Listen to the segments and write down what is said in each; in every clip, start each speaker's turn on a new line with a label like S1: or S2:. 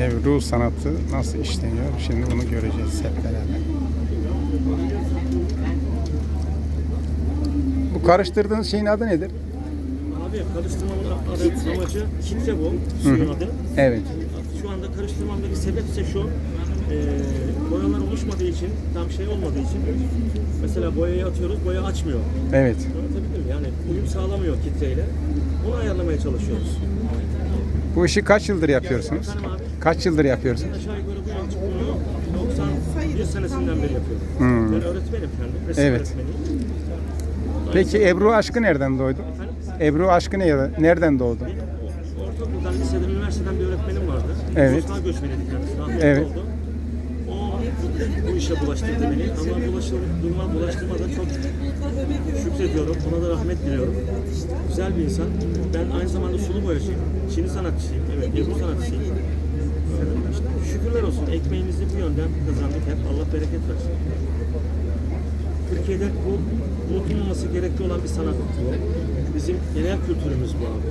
S1: Ebru sanatı nasıl işleniyor? Şimdi bunu göreceğiz hep beraber. Bu karıştırdığınız şeyin adı nedir?
S2: Abi karıştırmamın amacı kitre bu. Suyun adı.
S1: Evet.
S2: Şu anda karıştırmamdaki sebep ise şu. Boyalar oluşmadığı için, tam şey olmadığı için mesela boyayı atıyoruz, boya açmıyor.
S1: Evet.
S2: Anlatabildim mi? Yani uyum sağlamıyor kitreyle. Onu ayarlamaya çalışıyoruz.
S1: Bu işi kaç yıldır yapıyorsunuz?
S2: Efendim abi?
S1: Kaç yıldır yapıyorsunuz?
S2: Aşağı yukarı bu yıl bunu 91 senesinden beri yapıyorum. Ben öğretmenim kendim. Resim
S1: Evet.
S2: öğretmeniyim.
S1: Peki Ebru aşkı nereden doğdu?
S2: Efendim?
S1: Ebru aşkı nereden doğdu?
S2: Benim ortaokuldan, liseden, üniversiteden bir öğretmenim vardı.
S1: Evet.
S2: Sosyal göçmeniydi kendisi. Rahmetli
S1: Evet.
S2: oldu. O bu işe bulaştırdı beni ama bulaştırmadan çok şükrediyorum. Ona da rahmet diliyorum. Güzel bir insan. Ben aynı zamanda sulu boyacıyım. Çini sanatçısıyım. Evet, Ebru sanatçısıyım. İşte şükürler olsun. Ekmeğimizi bu yönden kazandık hep. Allah bereket versin. Türkiye'de bu unutulmaması gerekli olan bir sanat bu. Bizim genel kültürümüz bu abi.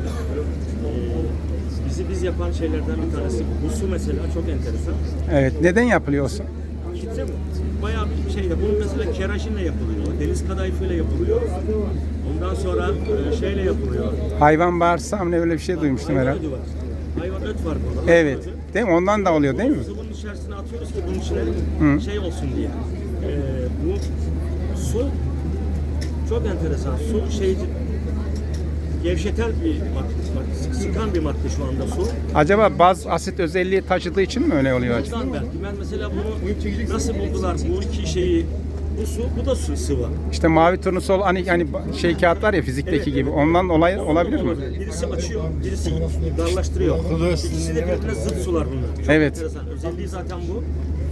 S2: Biz yapan şeylerden bir tanesi bu. Bu su mesela çok enteresan.
S1: Evet. Neden yapılıyorsun?
S2: Kitle bayağı bir şeyde. Bunun mesela kerajinle yapılıyor. Deniz kadayıfıyla yapılıyor. Ondan sonra şeyle yapılıyor.
S1: Hayvan bağırsağı mı ne öyle bir şey duymuştum
S2: Hayvan
S1: herhalde.
S2: ödü var. Hayvan öt var burada.
S1: Evet. Değil mi? Ondan da oluyor değil mi?
S2: Sıvının içerisine atıyoruz ki bunun içine şey olsun diye. Bu su çok enteresan. Su şey gevşeten bir madde, sıkan bir madde şu anda su.
S1: Acaba baz asit özelliği taşıdığı için mi öyle oluyor acaba?
S2: Ondan belki. Ben mesela bunu nasıl buldular bu iki şeyi? Bu su, bu da su sıvı.
S1: İşte mavi turnusol hani şey kağıt var ya fizikteki gibi. Ondan olabilir mi?
S2: Birisi açıyor, birisi darlaştırıyor. İkisi de birbirine zıt sular bunlar. Çok
S1: Evet.
S2: enteresan. Özelliği zaten bu.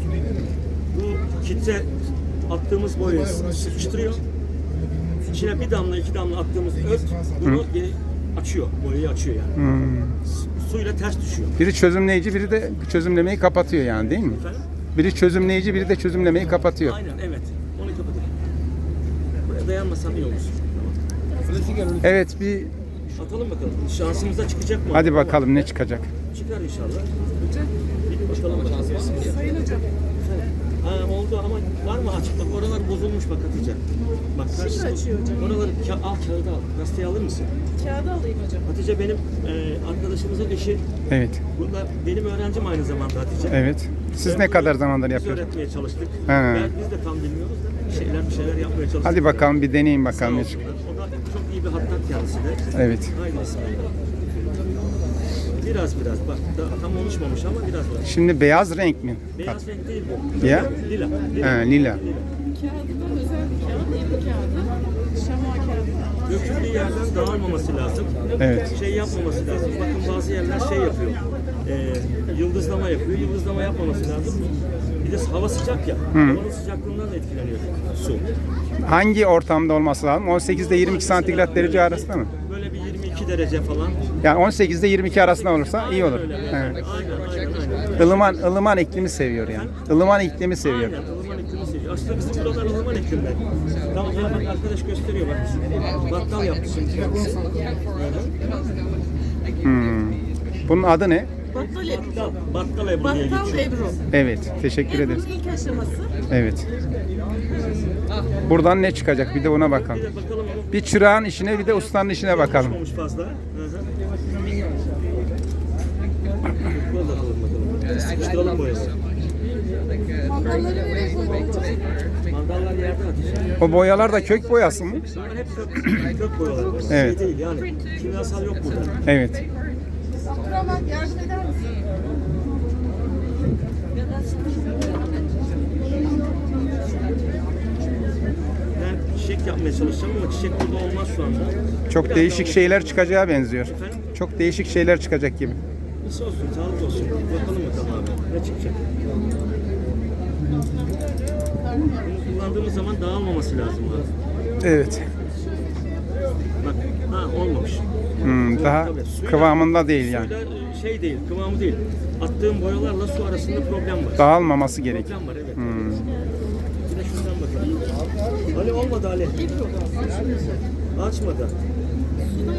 S2: Bu kitle attığımız boyayı sıkıştırıyor. İçine bir damla, iki damla attığımız öt bunu açıyor, boyayı açıyor yani. Suyla ters düşüyor.
S1: Biri çözümleyici, biri de çözümlemeyi kapatıyor yani değil mi?
S2: Efendim?
S1: Biri çözümleyici, biri de çözümlemeyi kapatıyor.
S2: Aynen, evet. Onu kapatıyor. Buraya dayanmasam iyi olur.
S1: Evet bir
S2: Atalım bakalım. Şansımıza çıkacak mı?
S1: hadi bakalım ne çıkacak.
S2: Çıkar inşallah. Bir bakalım.
S3: Sayın hocam.
S2: Ha, oldu ama var mı açıklık? Oralar bozulmuş bak Hatice. Bak
S3: Şimdi açıyor hocam.
S2: Oraları al kağıdı al. Gazeteyi alır mısın?
S3: Kağıdı alayım hocam.
S2: Hatice benim arkadaşımızın eşi.
S1: Evet.
S2: Bunda benim öğrencim aynı zamanda Hatice.
S1: Evet. Siz ne kadar zamandır
S2: Biz
S1: yapıyorsunuz?
S2: öğretmeye çalıştık.
S1: He.
S2: Biz de tam bilmiyoruz da bir şeyler yapmaya çalıştık.
S1: Hadi bakalım bir deneyin
S2: Sağ
S1: bakalım ne
S2: olsunlar.
S1: çıkıyor.
S2: O da çok iyi bir hattat kendisi de.
S1: Evet.
S2: Haydi bismillah. Biraz bak tam oluşmamış ama biraz var.
S1: Şimdi beyaz renk mi?
S2: Beyaz renk değil bu.
S1: Ya?
S2: Lila.
S1: Ha, lila.
S3: Kağıdıdan özel bir kağıt, Ebru kağıdı, şama kağıdı.
S2: Döküldüğü yerden dağılmaması lazım.
S1: Evet.
S2: Şey yapmaması lazım. Bakın bazı yerler şey yapıyor. Yıldızlama yapıyor. Yıldızlama yapmaması lazım. Bir de hava sıcak ya. Havanın sıcaklığından da etkileniyor su.
S1: Hangi ortamda olması lazım? 18 ile 22 santigrat derece arasında mı?
S2: Böyle bir 22 derece falan.
S1: Yani 18 ile 22 arasında olursa iyi olur.
S2: Öyle.
S1: Evet.
S2: Aynen.
S1: Ilıman iklimi seviyor yani. Ilıman iklimi seviyor.
S2: Aynen. Ilıman iklimi seviyor. Aslında bizim buralar ılıman iklimler. Tamam bak arkadaş gösteriyor bak. Battal yaptı şimdi kendisi.
S1: Bunun adı ne?
S3: Battal Ebru.
S2: Battal Ebru diye
S3: Battal
S2: geçiyor.
S3: Ebru.
S1: Evet. Teşekkür ederiz.
S3: Ebru'nun ilk aşaması.
S1: Evet. Buradan ne çıkacak? Bir de ona bakalım.
S2: Bir de bakalım ama
S1: Bir çırağın işine bir de ustanın işine bakalım.
S2: olmuş fazla. Sıkıştıralım boyayı.
S3: Mandalları nereye koymak için?
S2: Mandallar yerde Hatice.
S1: O boyalar da kök boyası mı?
S2: Bunlar hep kök boyalar.
S1: Evet.
S2: Şey değil yani. Kimyasal yok burada.
S1: Evet.
S3: Abdurrahman yardım eder misin?
S2: Ben çiçek yapmaya çalışacağım ama çiçek burada olmaz şu anda.
S1: Çok
S2: Biraz
S1: değişik
S2: daha
S1: şeyler çıkacağı benziyor.
S2: Efendim?
S1: Çok değişik şeyler çıkacak gibi.
S2: Nasıl olsun, sağlık olsun. Bakalım abi. Ne çıkacak? Bunu kullandığımız zaman dağılmaması lazım abi.
S1: Evet.
S2: Bak, olmamış.
S1: Daha
S2: Tabii, suyla-
S1: kıvamında değil yani.
S2: Suyla şey değil, kıvamı değil. Attığım boyalarla su arasında problem var.
S1: Dağılmaması gerek.
S2: Problem var evet. Bir de şundan bakalım. Ali olmadı Ali. Açmadı.
S3: Suda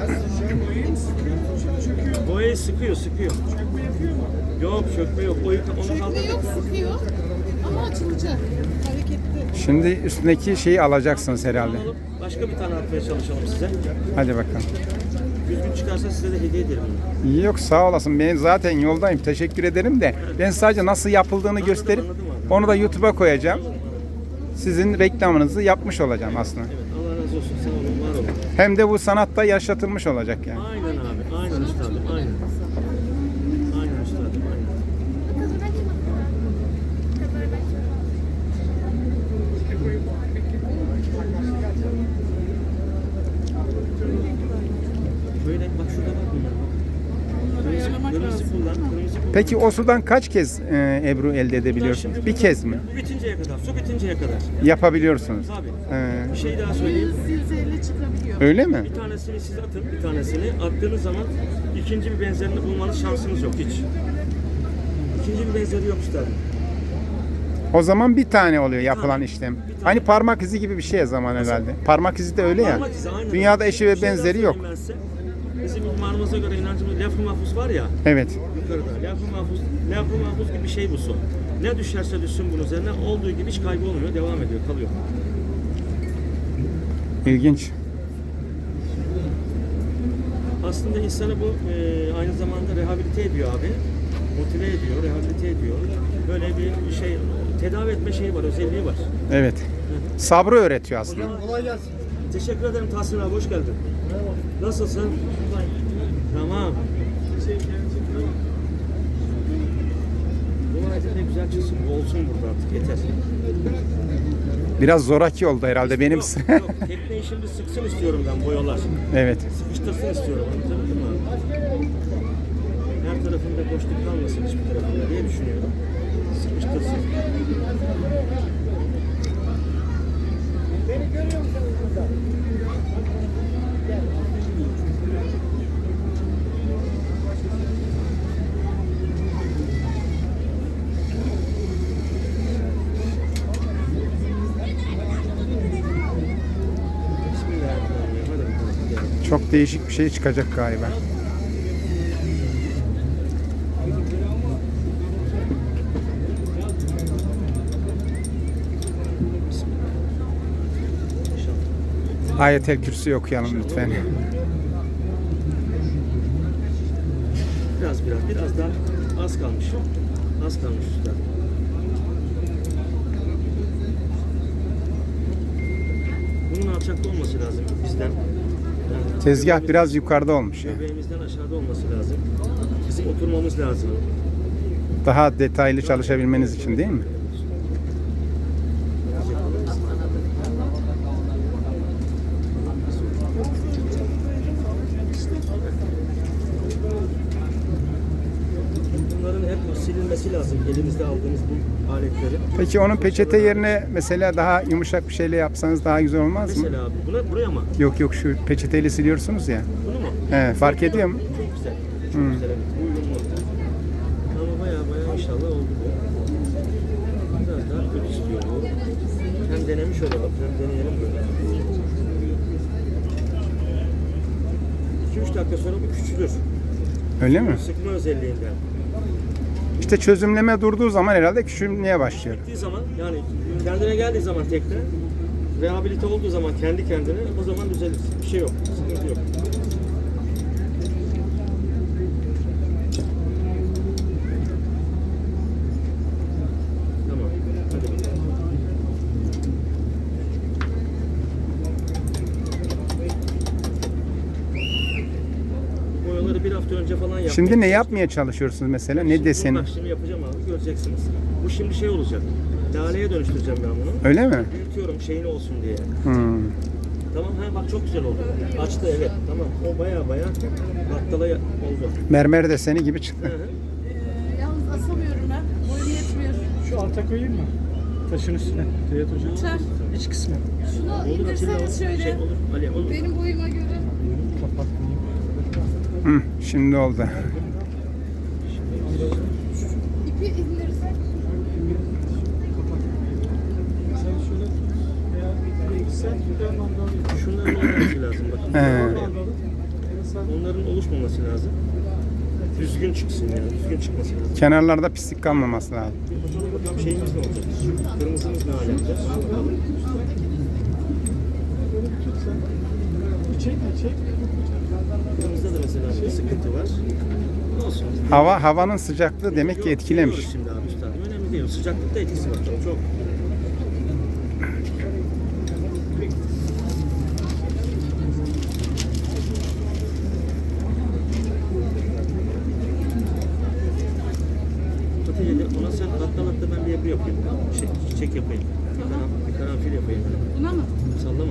S3: yapıyoruz.
S2: Boyayı sıkıyor. Yok çökme yok. Onu
S3: Çökme
S2: kaldırdık.
S3: yok, sıkıyor. Ama açılacak. Hareketli.
S1: Şimdi üstündeki şeyi alacaksınız herhalde.
S2: Alıp başka bir tane atmaya çalışalım size.
S1: Hadi bakalım.
S2: Düzgün çıkarsa size de hediye ederim bunu.
S1: Yok sağ olasın. Ben zaten yoldayım. Teşekkür ederim de. Ben sadece nasıl yapıldığını gösterip
S2: anladım abi.
S1: onu da YouTube'a koyacağım. Sizin reklamınızı yapmış olacağım aslında.
S2: Evet, Allah razı olsun. Sağ olun, var olun.
S1: Hem de bu sanatta yaşatılmış olacak yani.
S2: Aynen abi. Aynen üstadım. Aynen. Aynen üstadım. Aynen. Böyle bak şurada bak bunlar.
S3: Ayarlamak
S2: Kırmızı
S3: lazım.
S2: kullan. Kırmızı kullan.
S1: Peki o sudan kaç kez Ebru elde edebiliyorsunuz? Bir kez mi?
S2: Bitinceye kadar. Su bitinceye kadar.
S1: Yapabiliyorsunuz.
S2: Tabii.
S1: Ee,
S2: Bir şey daha söyleyeyim.
S3: 100-150 çıkabiliyor.
S1: öyle mi?
S2: Bir tanesini siz atın, bir tanesini. Attığınız zaman ikinci bir benzerini bulmanız şansınız yok hiç. İkinci bir benzeri yok üstadım.
S1: O zaman bir tane oluyor yapılan
S2: tane.
S1: işlem.
S2: Bir tane.
S1: Hani parmak izi gibi bir şey zaman herhalde. Parmak izi de öyle ya.
S2: Parmak izi, aynen.
S1: Dünyada eşi ve
S2: Bir şey daha
S1: benzeri yok.
S2: söyleyeyim ben size. Bizim imanımıza göre inancımız laf-ı mahfuz var ya
S1: Evet.
S2: yukarıda. Laf-ı mahfuz gibi bir şey bu su. Ne düşerse düşsün bunun üzerine olduğu gibi hiç kaybolmuyor, devam ediyor, kalıyor.
S1: İlginç.
S2: Aslında insanı bu aynı zamanda rehabilite ediyor abi. Motive ediyor, rehabilite ediyor. Böyle bir şey, tedavi etme şeyi var, özelliği var.
S1: Evet. Sabrı öğretiyor aslında.
S2: Kolay gelsin. Teşekkür ederim Tahsin abi, hoş geldin. Nasılsın? Tamam. Bu hareket de güzel çıksın, bu olsun burada artık, yeter.
S1: Biraz zoraki oldu herhalde benim.
S2: Yok, yok. Tekneyi şimdi sıksın istiyorum ben, boyalar.
S1: Evet.
S2: Sıkıştırsın istiyorum, anlatabildim mi abi? Her tarafında boşluk kalmasın hiçbir tarafında diye düşünüyorum. Sıkıştırsın. Beni görüyor musun burada? Bismillahirrahmanirrahim. Hadi bakalım. Hadi.
S1: Çok değişik bir şey çıkacak galiba. Ayetel Kürsi okuyalım lütfen.
S2: Biraz daha az kalmış. Az kalmış usta. Bunun alçakta olması lazım bizden. Yani
S1: Tezgah biraz yukarıda olmuş ya.
S2: göbeğimizden aşağıda olması lazım. Bizim oturmamız lazım.
S1: Daha detaylı çalışabilmeniz için değil mi?
S2: Bunların hep silinmesi lazım. Elimizde aldığımız bu aletleri.
S1: Peki onun peçete yerine mesela daha yumuşak bir şeyle yapsanız daha güzel olmaz mı?
S2: Mesela abi buraya mı?
S1: Yok şu peçeteyle siliyorsunuz ya.
S2: Bunu mu?
S1: He, fark ediyor mu?
S2: Çok güzel. Çok güzel evet. Uyumlu. Ama baya inşallah oldu bu. Biraz daha kötü istiyor bu. Hem denemiş olalım hem deneyelim böyle. 2-3 dakika sonra bu küçülür.
S1: Öyle mi?
S2: Sıkma özelliğinden.
S1: İşte çözümleme durduğu zaman herhalde küçülmeye başlıyor.
S2: Gittiği zaman yani kendine geldiği zaman tekne rehabilite olduğu zaman kendi kendine o zaman düzelir. Bir şey yok. Sıkıntı yok. Tamam. Hadi bakalım. Boyaları bir hafta önce falan yaptım.
S1: Şimdi ne yapmaya çalışıyorsunuz mesela? Ne deseni?
S2: Bak şimdi yapacağım abi göreceksiniz. Bu şimdi şey olacak. Laleye dönüştüreceğim ben bunu.
S1: Öyle mi?
S2: Büyütüyorum şeyini olsun diye.
S1: Hmm.
S2: Tamam bak çok güzel oldu. Açtı evet tamam. O baya battala oldu.
S1: Mermer deseni gibi çıktı.
S2: Hı hı.
S3: Yalnız asamıyorum ben. Boyum yetmiyor.
S4: Şu alta koyayım mı? Taşın üstüne. Teyit hocam.
S3: Uçar.
S4: İç kısmı.
S3: Şunu
S2: Olur Atilla
S3: indirseniz şöyle.
S2: Şey olur. Ali olur.
S3: Benim boyuma göre.
S4: Kapatmayayım.
S1: Hı, şimdi oldu.
S3: İpi indirsek.
S4: Sen şöyle tut. Veya sen ben mandalıyım.
S2: Şunların olması lazım bakın.
S1: He.
S4: Mandalı.
S2: bulaşmaması lazım. Düzgün çıksın yani. Düzgün çıkması lazım.
S1: Kenarlarda pislik kalmaması lazım.
S2: Bir bakalım şeyimiz ne olacak? Kırmızımız ne alemde? Ona bakalım. Kırmızıda da mesela bir sıkıntı var. Olsun.
S1: Havanın sıcaklığı demek ki etkilemiş.
S2: Biliyoruz şimdi abi üstadım. Önemli değil. Sıcaklıkta etkisi var. Çok. Hatice'de ona sen hatta ben bir yapı yapayım. Çiçek yapayım. Bir karanfil yapayım.
S3: Buna mı?
S2: Sallama.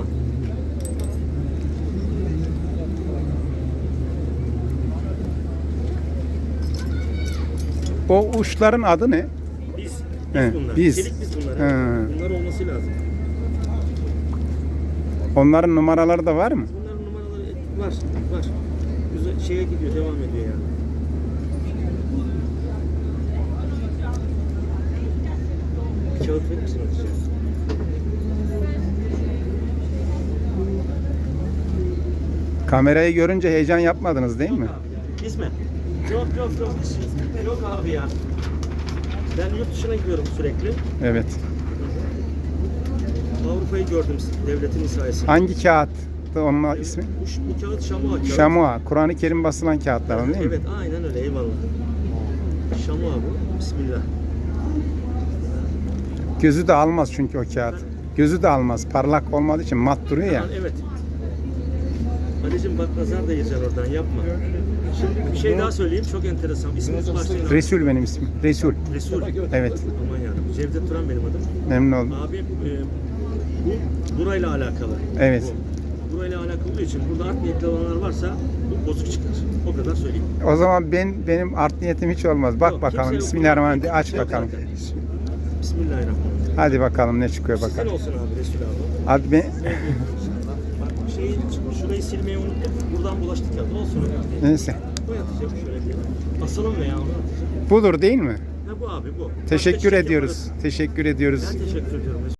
S1: O uçların adı ne?
S2: Biz
S1: He,
S2: bunlar.
S1: biz.
S2: Çelik biz bunlar.
S1: He.
S2: Bunlar olması lazım.
S1: Onların numaraları da var mı?
S2: Bunların numaraları var. Güzel şeye gidiyor, devam ediyor yani. Bir kağıt verir misin Hatice?
S1: Kamerayı görünce heyecan yapmadınız değil mi?
S2: İsmi? Yok. Yok abi ya. Ben yurt dışına gidiyorum sürekli.
S1: Evet.
S2: Avrupa'yı gördüm devletimin sayesinde.
S1: Hangi kağıt? Onun ismi?
S2: Bu kağıt Şamua kağıt.
S1: Şamua. Kur'an-ı Kerim basılan kağıtlar değil mi?
S2: Evet, aynen öyle. Eyvallah. Şamua bu. Bismillah.
S1: Gözü de almaz çünkü o kağıt. Gözü de almaz. Parlak olmadığı için mat duruyor ya.
S2: Evet. Ali'cim bak nazar da yiyeceksin oradan, yapma. Şimdi bir şey daha söyleyeyim, çok enteresan. İsminizi başlayın.
S1: Resul benim ismim. Resul.
S2: Resul.
S1: Evet.
S2: Aman yarabbim. Cevdet Turan benim adım.
S1: Memnun oldum.
S2: Abi bu burayla alakalı.
S1: Evet.
S2: Burayla alakalı olduğu için burada art niyetli olanlar varsa bu bozuk çıkar. O kadar söyleyeyim.
S1: O zaman benim art niyetim hiç olmaz. Bak
S2: Yok,
S1: bakalım.
S2: kimse yok.
S1: Bismillahirrahmanirrahim. Aç
S2: Kimse yok
S1: bakalım.
S2: zaten. Bismillahirrahmanirrahim.
S1: Hadi bakalım ne çıkıyor
S2: Sizin
S1: bakalım.
S2: olsun abi Resul abi.
S1: Abi ben...
S2: Şurayı silmeyi unuttum. Buradan bulaştık ya. Olsun önemli değil.
S1: Neyse.
S2: Bu yatacak şöyle diye. Asalım veya onu atacak.
S1: Budur değil mi?
S2: Ha bu abi bu.
S1: Teşekkür
S2: Başka çiçek
S1: ediyoruz.
S2: yaparız.
S1: Teşekkür ediyoruz.
S2: Ben teşekkür ediyorum.